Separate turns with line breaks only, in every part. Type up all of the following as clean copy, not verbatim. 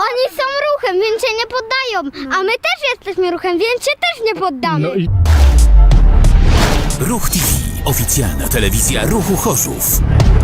Oni są ruchem, więc się nie poddają, a my też jesteśmy ruchem, więc się też nie poddamy.
No i...
Ruch TV. Oficjalna telewizja Ruchu Chorzów.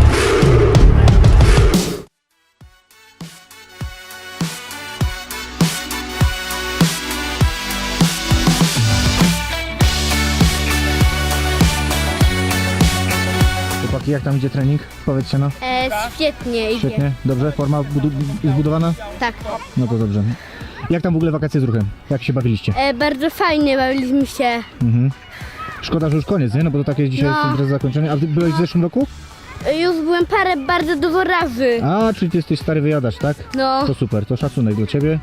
Chłopaki, jak tam idzie trening? Powiedzcie no.
Świetnie idzie.
Świetnie, dobrze? Forma jest zbudowana?
Tak.
No to dobrze. Jak tam w ogóle wakacje z ruchem? Jak się bawiliście?
Bardzo fajnie bawiliśmy się.
Mhm. Szkoda, że już koniec, nie? No bo to takie dzisiaj jest impreza zakończenie. A ty byłeś w zeszłym roku?
Już byłem bardzo dużo razy.
A, czyli ty jesteś stary wyjadacz, tak?
No.
To super, to szacunek dla ciebie.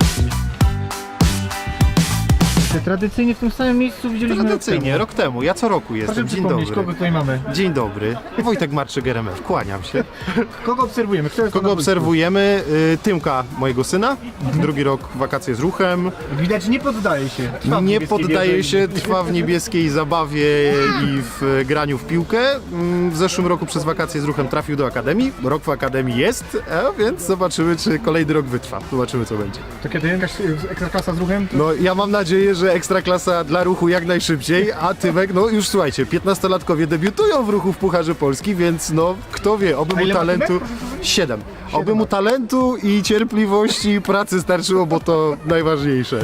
Tradycyjnie w tym samym miejscu widzieliśmy
Tradycyjnie, rok temu. Ja co roku jestem.
Proszę
Dzień
przypomnieć,
dobry.
kogo tutaj mamy.
Dzień dobry. Wojtek Marczyk, RMF. Kłaniam się.
Kogo obserwujemy? Kto jest
Kogo
na
obserwujemy? Tymka, mojego syna. Drugi rok wakacje z ruchem.
boisku? Widać, nie poddaje się. Trwa w
Nie
niebieskiej
poddaje
wieży.
się, trwa w niebieskiej zabawie i w graniu w piłkę. W zeszłym roku przez wakacje z ruchem trafił do Akademii. Rok w Akademii jest, więc zobaczymy, czy kolejny rok wytrwa. Zobaczymy, co będzie.
To kiedy jakaś ekstraklasa z ruchem?
No, ja mam nadzieję, że Ekstraklasa dla ruchu jak najszybciej, a Tymek, no już słuchajcie, 15-latkowie debiutują w ruchu w Pucharze Polski, więc no, kto wie, oby
A
mu
ile ma
talentu...
Tymek?
7. Oby mu talentu i cierpliwości i pracy starczyło, bo to najważniejsze.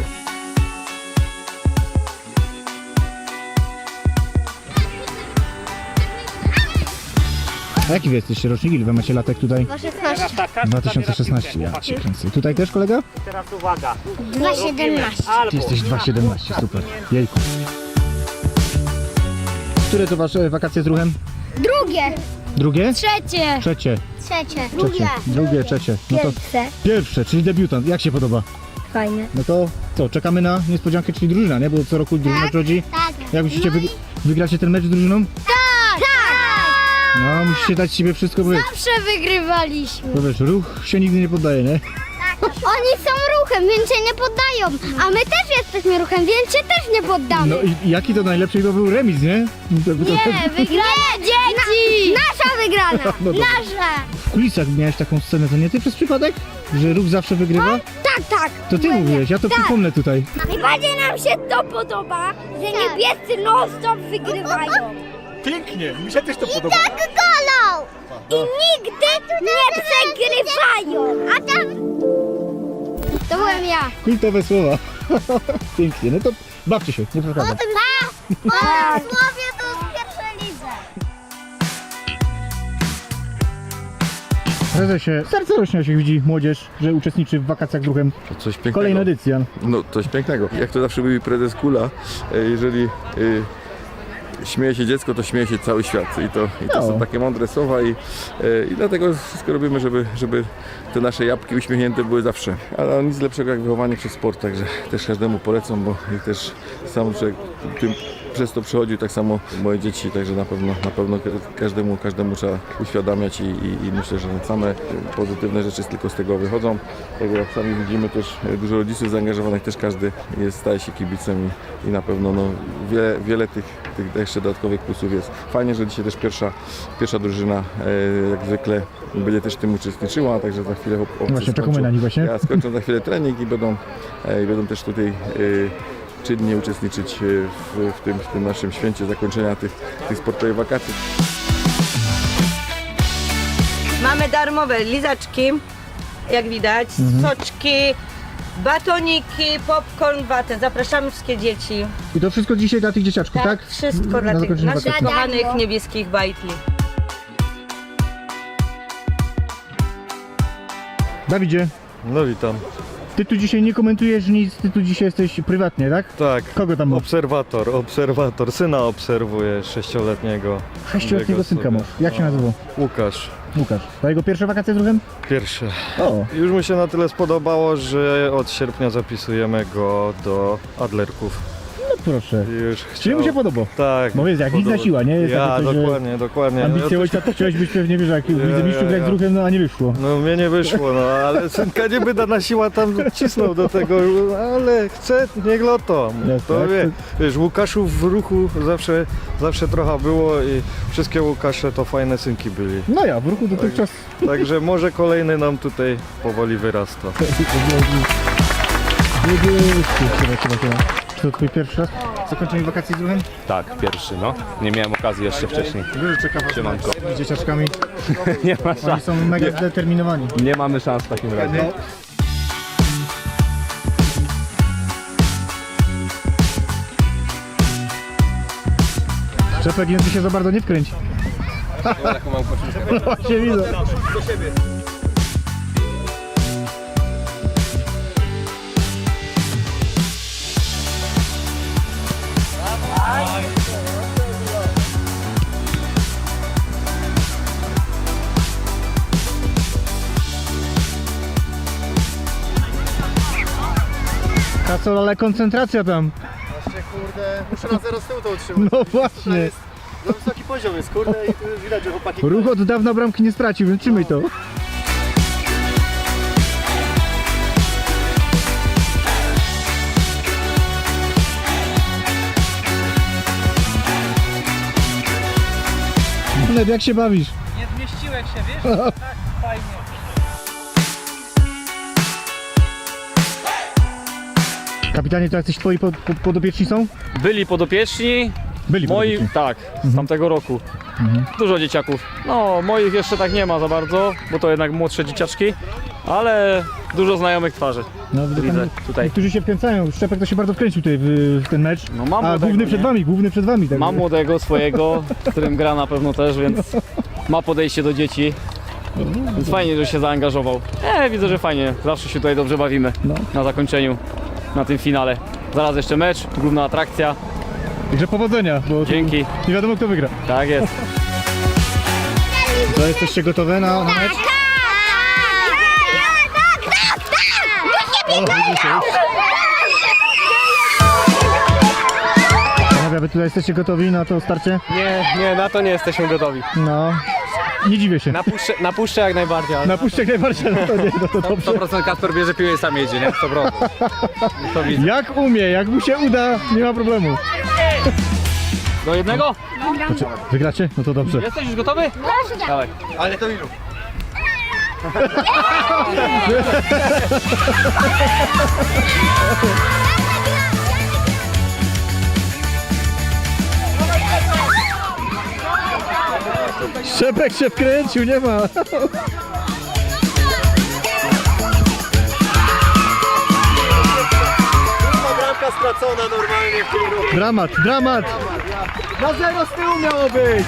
A jaki wy jesteście rocznik? Ile wy macie latek tutaj? 2016, ja cię kręcę. Tutaj też kolega?
Teraz uwaga.
2,17.
Ty jesteś 2,17, super. Jejku. Które to wasze wakacje z ruchem?
Drugie.
Drugie?
Trzecie.
Trzecie.
Trzecie.
Drugie, trzecie. No to
Pierwsze.
pierwsze, czyli debiutant. Jak się podoba?
Fajne.
No to co, czekamy na niespodziankę, czyli drużyna, nie? Bo co roku drużyna przychodzi.
Tak.
Jak myślicie, wygracie ten mecz z drużyną?
Tak.
No, musicie dać siebie wszystko, bo
Zawsze wygrywaliśmy.
wiesz, ruch się nigdy nie poddaje, nie?
Oni są ruchem, więc się nie poddają, a my też jesteśmy ruchem, więc się też nie poddamy.
No i jaki to najlepszy to był remis, nie?
Nie, wygrana dzieci! Nasza wygrana!
No dobra.
Nasza!
W kulisach miałeś taką scenę, to nie ty przez przypadek? Że ruch zawsze wygrywa?
Tak.
To ty mówiłeś, ja to przypomnę tutaj.
Najbardziej nam się to podoba, że niebiescy non-stop wygrywają.
Pięknie, mi się też to podoba.
Tak golą! I nigdy nie przegrywają! A tam... To byłem ja.
Kultowe słowa. Pięknie, no to bawcie się, nie przeszkadzam.
Tak. Słowie to w pierwszej lidze.
Prezesie, serce rośnie, jak się widzi młodzież, że uczestniczy w wakacjach z ruchem.
Coś pięknego.
Kolejna edycja.
No coś pięknego. Jak to zawsze mówi prezes Kula, jeżeli śmieje się dziecko, to śmieje się cały świat. I to
No.
są takie mądre słowa i dlatego wszystko robimy, żeby te nasze jabłki uśmiechnięte były zawsze. Ale nic lepszego jak wychowanie przez sport, także też każdemu polecam, bo i też sam człowiek tym przez to przechodził, tak samo moje dzieci, także na pewno każdemu trzeba uświadamiać i myślę, że same pozytywne rzeczy tylko z tego wychodzą. Tak jak sami widzimy, też dużo rodziców zaangażowanych, też każdy staje się kibicem i na pewno wiele tych jeszcze dodatkowych plusów jest. Fajnie, że dzisiaj też pierwsza drużyna jak zwykle będzie też w tym uczestniczyła, także za chwilę
Właśnie czekamy na nich właśnie.
Ja skończą za chwilę trening i będą też tutaj czynnie uczestniczyć w tym naszym święcie zakończenia tych sportowych wakacji.
Mamy darmowe lizaczki, jak widać, soczki, batoniki, popcorn, watę. Zapraszamy wszystkie dzieci.
I to wszystko dzisiaj dla tych dzieciaczków, tak?
Wszystko dla
Na
tych
zakończenie
naszych
wakacji.
kochanych niebieskich bajtli.
Dawidzie,
No witam.
ty tu dzisiaj nie komentujesz nic, ty tu dzisiaj jesteś prywatnie, tak?
Tak,
Kogo tam masz?
obserwator. Syna obserwuję 6-letniego.
6-letniego synka masz. Jak się nazywa?
Łukasz.
Łukasz. To jego pierwsze wakacje z ruchem?
Pierwszy.
O,
Już mu się na tyle spodobało, że od sierpnia zapisujemy go do Adlerków.
no proszę.
Już
Czyli mu się podoba.
Tak.
Bo wiesz, jak widna siła, nie? Jest
Ja,
takie coś, że
dokładnie.
ambicje ojca to chciałeś być pewnie, wiesz, jak widzę mistrzu grać z ruchem, no a nie wyszło.
No mnie nie wyszło, no ale synka nie by dana siła tam cisnął do tego, ale chce, niech loto.
Jasne,
To
jak
wiesz, Łukaszów w ruchu zawsze trochę było i wszystkie Łukasze to fajne synki byli.
No ja, w ruchu dotychczas...
Także może kolejny nam tutaj powoli wyrasta.
Czy to twój pierwszy raz? Zakończenie wakacji z ruchem?
Tak, pierwszy, no. Nie miałem okazji jeszcze wcześniej.
Wiesz, czeka was
Siemanko.
mecz z dzieciaczkami.
Nie ma
Oni
szans.
są mega zdeterminowani.
Nie mamy szans w takim razie.
Czepek język się za bardzo nie wkręci. No właśnie widzę. Kacol, ale koncentracja tam.
Właśnie, kurde, muszę na 0 z tyłu to utrzymać.
No właśnie.
Za wysoki poziom jest, kurde, i tu już widać, że chłopaki...
Ruch od dawna bramki nie stracił, więc trzymaj to. Led, jak się bawisz?
Nie zmieściłeś się, wiesz? Tak, fajnie.
Kapitanie, to jacyś twoi podopieczni są?
Byli podopieczni,
Byli
moi,
podopieczni.
tak, z tamtego roku. Dużo dzieciaków. No, moich jeszcze tak nie ma za bardzo, bo to jednak młodsze dzieciaczki, ale dużo znajomych twarzy.
No,
Widzę tutaj.
Niektórzy się wkręcają. Szczepek to się bardzo wkręcił tutaj w ten mecz.
No, mam
A
młodego,
główny przed wami. Tak.
Mam młodego swojego, z którym gra na pewno też, więc ma podejście do dzieci. Więc fajnie, że się zaangażował. Widzę, że fajnie. Zawsze się tutaj dobrze bawimy na zakończeniu, na tym finale. Zaraz jeszcze mecz, główna atrakcja.
Także powodzenia, bo
Dzięki.
nie wiadomo kto wygra.
Tak jest.
To jesteście gotowe na mecz? O, widzicie już. Panowie, wy tutaj jesteście gotowi na to starcie?
Nie, na to nie jesteśmy gotowi.
No, nie dziwię się.
Na puszczę jak najbardziej, ale
Na puszczek najbardziej, no to nie, no to dobrze.
100% Kasper bierze piłę i sam jedzie, nie? 100%. To widzę.
Jak umie, jak mu się uda, nie ma problemu.
Do jednego?
Wygracie? No to dobrze.
Jesteś już gotowy? Dawaj.
Ale to ilu?
Szczepek się wkręcił, nie ma.
Bramka stracona normalnie w tym ruchu.
Dramat, dramat.
Na 0 z tyłu miało być.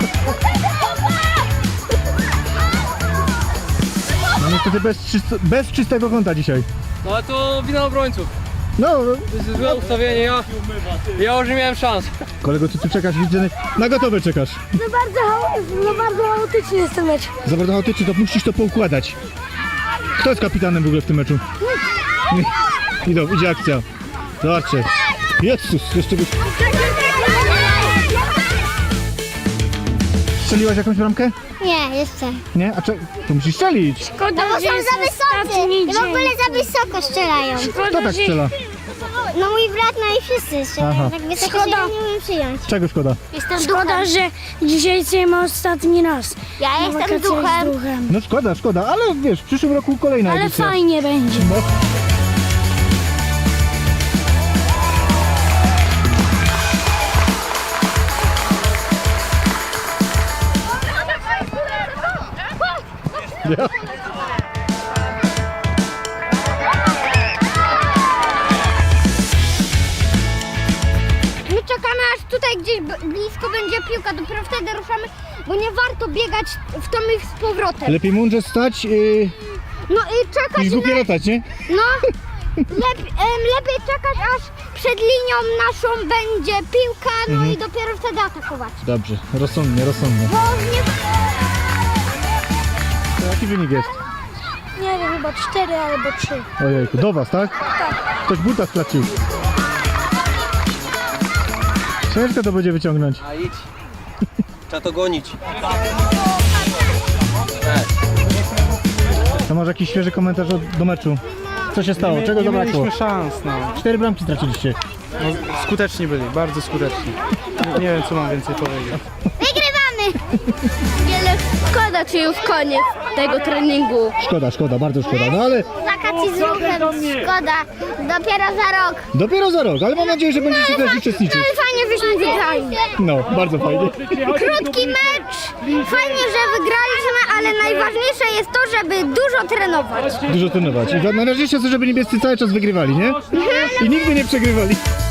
No niestety bez czystego kąta dzisiaj.
No ale to wina obrońców.
No,
Złe ustawienie, ja już nie miałem szans.
kolego, ty czekasz, widzę, na gotowe czekasz.
bardzo chaotyczny jest ten mecz.
Za bardzo chaotycznie, to musisz to poukładać. Kto jest kapitanem w ogóle w tym meczu? Idzie akcja. Zobaczcie. Jezus, jeszcze by... Strzeliłaś jakąś bramkę?
Nie, jeszcze.
Nie? A to musisz strzelić.
Szkoda, no bo są za wysocy. I w ogóle za wysoko strzelają.
Kto tak strzela?
No mój brat, no i wszyscy strzelają.
Aha.
Tak wysoko się nie umiem przyjąć.
Czego szkoda?
Jestem
Szkoda, że dzisiaj jesteśmy ostatni raz.
Ja
na
jestem
wakacjach z
duchem.
duchem.
No szkoda, ale wiesz, w przyszłym roku kolejna
Ale
edycja.
fajnie będzie.
No. Ja.
My czekamy aż tutaj gdzieś blisko będzie piłka, dopiero wtedy ruszamy, bo nie warto biegać w tom ich z powrotem.
Lepiej mądrze stać
No i czekać
niż głupie latać, nie?
No, lepiej czekać aż przed linią naszą będzie piłka, no i dopiero wtedy atakować.
Dobrze, rozsądnie.
Bo nie...
To jaki wynik jest?
Nie wiem, chyba 4 albo 3.
Ojejku, do was, tak? Tak. Ktoś buta sklacił. Ciężko to będzie wyciągnąć.
A idź. Trzeba to gonić.
To może jakiś świeży komentarz do meczu. Co się stało? Czego zabrakło?
mieliśmy szans, no.
4 bramki straciliście.
Skuteczni byli, bardzo skuteczni. Nie wiem, co mam więcej powiedzieć.
Wygrywamy! Wiele szkoda, czy już koniec tego treningu.
Szkoda, bardzo szkoda. No ale
Wakacji z ruchem, szkoda. Dopiero za rok.
dopiero za rok, ale mam nadzieję, że będziecie też uczestniczyć.
Ale fajnie, żeśmy wygrali.
No, bardzo fajnie.
Krótki mecz. Fajnie, że wygraliśmy, ale najważniejsze jest to, żeby dużo trenować.
Dużo trenować. I najważniejsze jest to, żeby niebiescy cały czas wygrywali, nie? I nigdy nie przegrywali.